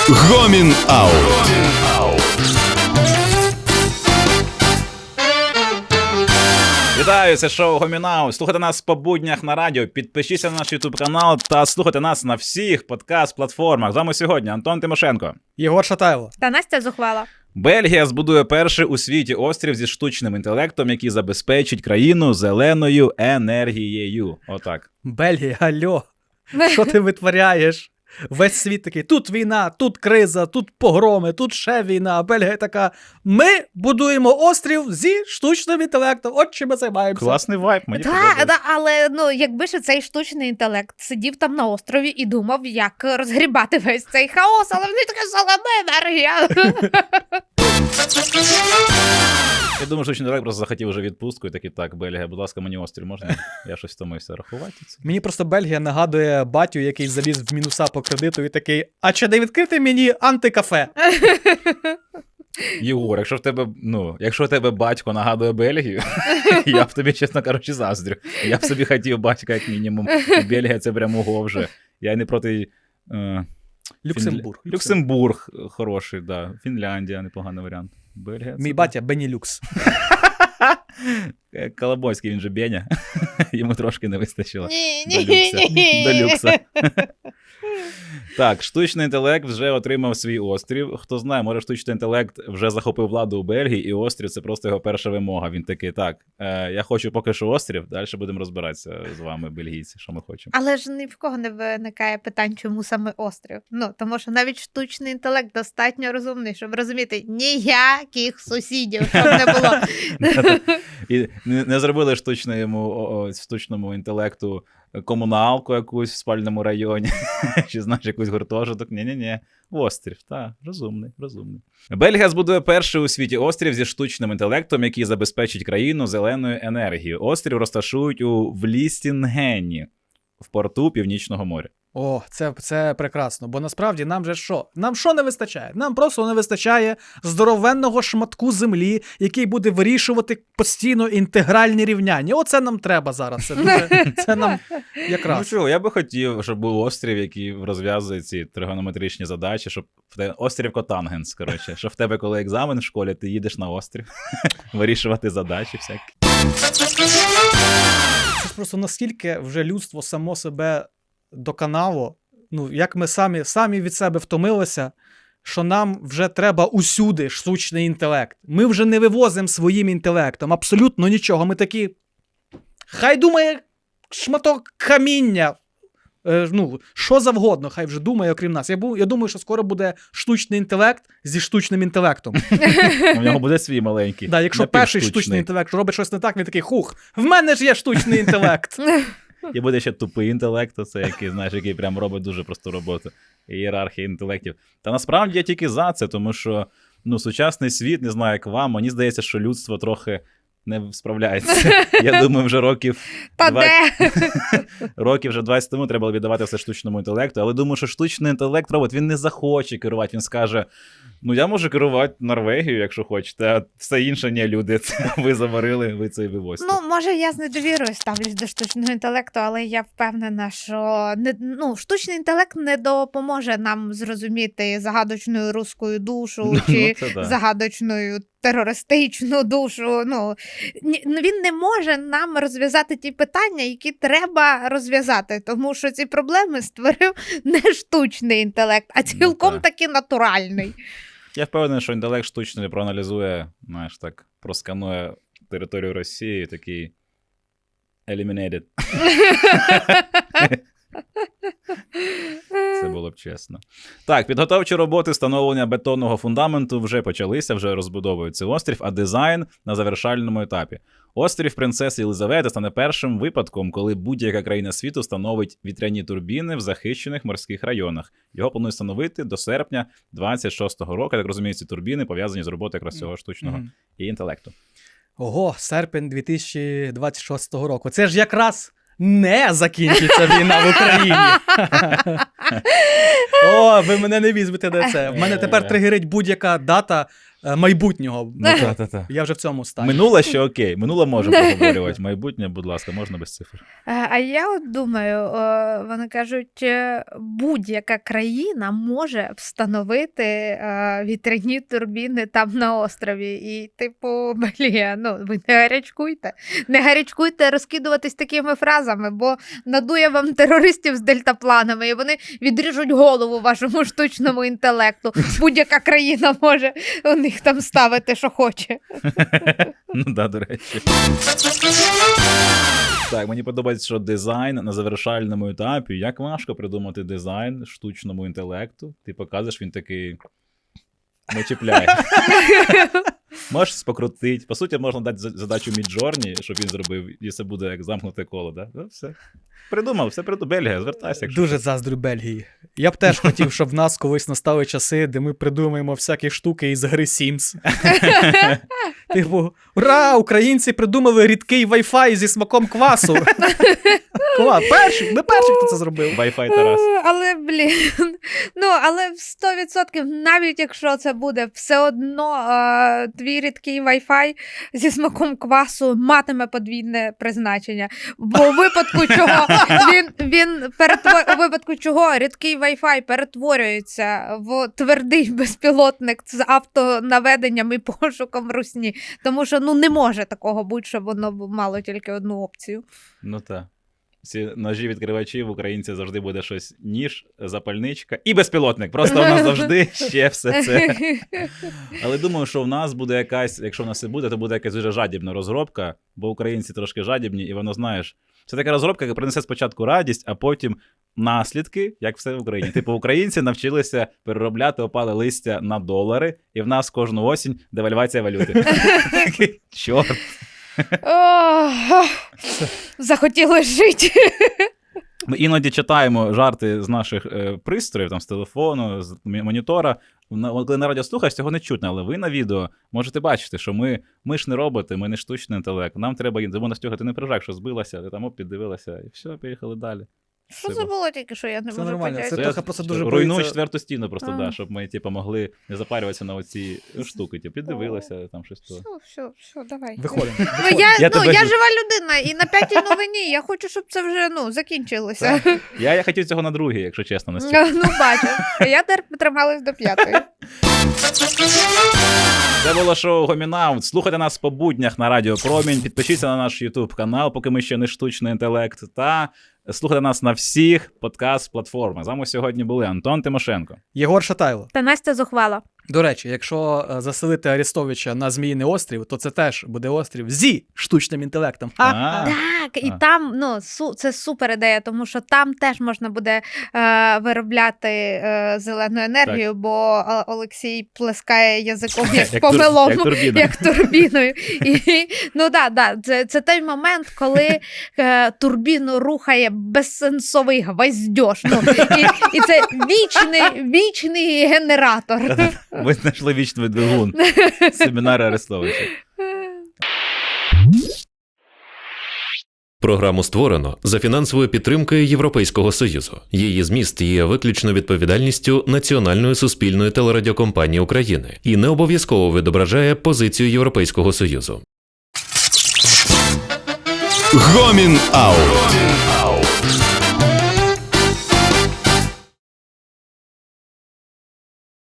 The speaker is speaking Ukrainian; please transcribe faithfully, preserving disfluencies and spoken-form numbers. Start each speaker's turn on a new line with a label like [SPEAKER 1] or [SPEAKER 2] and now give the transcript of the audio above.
[SPEAKER 1] Гомін Аут.
[SPEAKER 2] Вітаю, це шоу Гомін Аут. Слухайте нас по буднях на радіо, підпишіться на наш ютуб канал та слухайте нас на всіх подкаст-платформах. З вами сьогодні Антон Тимошенко,
[SPEAKER 3] Єгор Шатайло
[SPEAKER 4] та Настя Зухвала.
[SPEAKER 2] Бельгія збудує перший у світі острів зі штучним інтелектом, який забезпечить країну зеленою енергією. Отак.
[SPEAKER 3] Бельгія, алло, що ти витворяєш? Весь світ такий, тут війна, тут криза, тут погроми, тут ще війна. А Бельгія така, ми будуємо острів зі штучним інтелектом. От чим ми займаємося.
[SPEAKER 2] Класний вайб, мені
[SPEAKER 4] Так,
[SPEAKER 2] подобається.
[SPEAKER 4] да, але ну, якби ж цей штучний інтелект сидів там на острові і думав, як розгрібати весь цей хаос, але вони така зелена енергія.
[SPEAKER 2] Я думаю, що інтелект просто захотів вже відпустку і такий, так, Бельгія, будь ласка, мені острів можна? Я щось втомився рахувати це.
[SPEAKER 3] Мені просто Бельгія нагадує батю, який заліз в мінуса по кредиту і такий, а чи не відкрити мені антикафе?
[SPEAKER 2] Єгор, якщо в тебе, ну, якщо в тебе батько нагадує Бельгію, я б тобі, чесно кажучи, заздрю. Я б собі хотів батька, як мінімум. Бельгія — це прямо ого вже. Я й не проти... Е...
[SPEAKER 3] Люксембург.
[SPEAKER 2] Фінля... Люксембург хороший, да. Фінляндія — непоганий варіант. Бельгія —
[SPEAKER 3] Мій
[SPEAKER 2] це...
[SPEAKER 3] батя Бенілюкс.
[SPEAKER 2] Колобойський, він же Беня. Йому трошки не вистачило.
[SPEAKER 4] Ні,
[SPEAKER 2] До
[SPEAKER 4] ні,
[SPEAKER 2] люкса.
[SPEAKER 4] ні.
[SPEAKER 2] До люкса. Так, штучний інтелект вже отримав свій острів. Хто знає, може штучний інтелект вже захопив владу у Бельгії, і острів — це просто його перша вимога. Він такий, так, е, я хочу поки що острів, далі будемо розбиратися з вами, бельгійці, що ми хочемо.
[SPEAKER 4] Але ж ні в кого не виникає питань, чому саме острів. Ну, тому що навіть штучний інтелект достатньо розумний, щоб розуміти ніяких сусідів, щоб не було.
[SPEAKER 2] І не, не зробили штучному, о, штучному інтелекту комуналку якусь в спальному районі, чи, знаєш, якийсь гуртожиток. Ні-ні-ні, острів, так, розумний, розумний. Бельгія збудує перший у світі острів зі штучним інтелектом, який забезпечить країну зеленою енергією. Острів розташують у Влістінгені, в порту Північного моря.
[SPEAKER 3] О, це, це прекрасно, бо насправді нам же що? Нам що не вистачає? Нам просто не вистачає здоровенного шматку землі, який буде вирішувати постійно інтегральні рівняння. Оце нам треба зараз. Це, дуже, це нам якраз.
[SPEAKER 2] Ну чого, я би хотів, щоб був острів, який розв'язує ці тригонометричні задачі, щоб в тебе... острів Котангенс, коротше, щоб в тебе, коли екзамен в школі, ти їдеш на острів вирішувати задачі всякі.
[SPEAKER 3] Це ж просто наскільки вже людство само себе доконало, ну, як ми самі, самі від себе втомилися, що нам вже треба усюди штучний інтелект. Ми вже не вивозимо своїм інтелектом абсолютно нічого. Ми такі, хай думає шматок каміння, е, ну, що завгодно, хай вже думає, окрім нас. Я, бу, я думаю, що скоро буде штучний інтелект зі штучним інтелектом.
[SPEAKER 2] У нього буде свій маленький.
[SPEAKER 3] Да, якщо перший штучний інтелект робить щось не так, він такий, хух, в мене ж є штучний інтелект.
[SPEAKER 2] І буде ще тупий інтелект, це який, знаєш, який прям робить дуже просту роботу. Ієрархія інтелектів. Та насправді я тільки за це, тому що, ну, сучасний світ, не знаю, як вам, мені здається, що людство трохи не справляється. Я думаю, вже років
[SPEAKER 4] Та
[SPEAKER 2] двадцять...
[SPEAKER 4] де?
[SPEAKER 2] років вже двадцять тому треба було віддавати все штучному інтелекту, але думаю, що штучний інтелект робот, він не захоче керувати, він скаже, ну я можу керувати Норвегією, якщо хочете, а все інше ні, люди, це ви заварили, ви це і вивозьте.
[SPEAKER 4] Ну, може, я з недовірою ставлюсь до штучного інтелекту, але я впевнена, що не, ну, штучний інтелект не допоможе нам зрозуміти загадочну руську душу чи
[SPEAKER 2] Ну, це да.
[SPEAKER 4] загадочну терористичну душу. Ну, ні- ну, він не може нам розв'язати ті питання, які треба розв'язати, тому що ці проблеми створив не штучний інтелект, а цілком
[SPEAKER 2] так.
[SPEAKER 4] таки натуральний.
[SPEAKER 2] Я впевнений, що інтелект штучний проаналізує, знаєш, так, просканує територію Росії, такий eliminated. Це було б чесно. Так, підготовчі роботи встановлення бетонного фундаменту вже почалися, вже розбудовують цей острів, а дизайн на завершальному етапі. Острів Принцеси Єлизавети стане першим випадком, коли будь-яка країна світу встановить вітряні турбіни в захищених морських районах. Його планують встановити до серпня двадцять шостого року. Я так розумію, ці турбіни пов'язані з роботою якраз цього штучного
[SPEAKER 3] Мгм.
[SPEAKER 2] і інтелекту.
[SPEAKER 3] Ого, серпень дві тисячі двадцять шостого року. Це ж якраз не закінчиться війна в Україні. О, ви мене не візьмете на це. В мене тепер тригерить будь-яка дата е, майбутнього.
[SPEAKER 2] Ну, та-та-та.
[SPEAKER 3] Я вже в цьому стані.
[SPEAKER 2] Минуле ще окей, минуле може поговорювати. Майбутнє, будь ласка, можна без цифр.
[SPEAKER 4] Е, А я от думаю, е, вони кажуть, е, будь-яка країна може встановити е, вітряні турбіни там на острові. І, типу, блін, ну ви не гарячкуйте. Не гарячкуйте розкидуватись такими фразами, бо надує вам терористів з дельтапланами, і вони відріжуть голову вашому штучному інтелекту. Будь-яка країна може у них там ставити, що хоче.
[SPEAKER 2] Ну да, до речі. Так, мені подобається, що дизайн на завершальному етапі. Як важко придумати дизайн штучному інтелекту. Ти показуєш, він такий не чіпляє. Можеш щось покрутити. По суті, можна дати за- задачу Міджорні, щоб він зробив, і це буде як замкнуте коло, да? Ну, все. Придумав, все придумав. Бельгія, звертайся. Якщо
[SPEAKER 3] Дуже заздрю Бельгії. Я б теж хотів, щоб в нас колись настали часи, де ми придумаємо всякі штуки із гри Sims. Типу, ура, українці придумали рідкий Wi-Fi зі смаком квасу. Клас, перший, ми перші, хто це зробив.
[SPEAKER 2] Wi-Fi Тарас.
[SPEAKER 4] Е, Але, блін, ну, але сто відсотків, навіть якщо це буде, все одно е, твій рідкий Wi-Fi зі смаком квасу матиме подвійне призначення. Бо у випадку чого він, він перетвор... у випадку чого рідкий Wi-Fi перетворюється в твердий безпілотник з автонаведенням і пошуком русні. Тому що ну не може такого бути, щоб воно мало тільки одну опцію.
[SPEAKER 2] Ну так. Ці ножі відкривачів, українці завжди буде щось ніж, запальничка і безпілотник. Просто у нас завжди ще все це. Але думаю, що в нас буде якась, якщо в нас і буде, то буде якась дуже жадібна розробка, бо українці трошки жадібні, і воно, знаєш, це така розробка, яка принесе спочатку радість, а потім наслідки, як все в Україні. Типу, українці навчилися переробляти опале листя на долари, і в нас кожну осінь девальвація валюти. Такий, чорт.
[SPEAKER 4] Ох, захотілося жити.
[SPEAKER 2] Ми іноді читаємо жарти з наших е, пристроїв, там, з телефону, з м- монітора. На, от коли на радіо слухаєш, цього не чутно, але ви на відео можете бачити, що ми, ми ж не роботи, ми не штучний інтелект. Нам треба, тому Настюха, ти не переживай, що збилася, ти там оп, піддивилася, і все, поїхали далі.
[SPEAKER 4] Що це було тільки, що я не
[SPEAKER 3] Це
[SPEAKER 4] можу
[SPEAKER 3] нормально,
[SPEAKER 4] поняти?
[SPEAKER 3] це
[SPEAKER 2] я
[SPEAKER 3] трохи просто дуже
[SPEAKER 2] руйную
[SPEAKER 3] боїться-
[SPEAKER 2] четверту стіну просто,
[SPEAKER 4] А.
[SPEAKER 2] да, щоб ми типу, могли не запарюватися на оці штуки. Типу, піддивилися, там щось то.
[SPEAKER 4] Все, все, все, давай.
[SPEAKER 3] Виходимо.
[SPEAKER 4] Ну, я,
[SPEAKER 2] Я
[SPEAKER 4] ну,
[SPEAKER 2] тебе-
[SPEAKER 4] я жива людина, і на п'ятій новині я хочу, щоб це вже ну, закінчилося.
[SPEAKER 2] Я, я хотів цього на другій, якщо чесно, Настюха.
[SPEAKER 4] Ну, бачу. Я тепер трималась до п'ятої.
[SPEAKER 2] Це було шоу Гомінаут. Слухайте нас по буднях на Радіо Промінь. Підпишіться на наш YouTube канал, поки ми ще не штучний інтелект. Та слухайте нас на всіх подкаст-платформах. З вами сьогодні були Антон Тимошенко.
[SPEAKER 3] Єгор Шатайло.
[SPEAKER 4] Та Настя зухвала.
[SPEAKER 3] До речі, якщо е, заселити Арестовича на Зміїний острів, то це теж буде острів зі штучним інтелектом.
[SPEAKER 2] А.
[SPEAKER 3] Ха!
[SPEAKER 4] Так, і
[SPEAKER 2] А.
[SPEAKER 4] там ну, су, це супер ідея, тому що там теж можна буде е, виробляти е, зелену енергію, бо е, Олексій плескає язиком як,
[SPEAKER 2] Як
[SPEAKER 4] по
[SPEAKER 2] тур-
[SPEAKER 4] милому,
[SPEAKER 2] як турбіна.
[SPEAKER 4] як турбіною. І, ну да, да, це, це той момент, коли е, турбіну рухає безсенсовий гвоздьош. Ну, і, і це вічний, вічний генератор.
[SPEAKER 2] Ви знайшли вічний двигун. Семінари Арестовича.
[SPEAKER 1] Програму створено за фінансовою підтримкою Європейського Союзу. Її зміст є виключно відповідальністю Національної суспільної телерадіокомпанії України і не обов'язково відображає позицію Європейського Союзу.
[SPEAKER 2] Гомін Аут.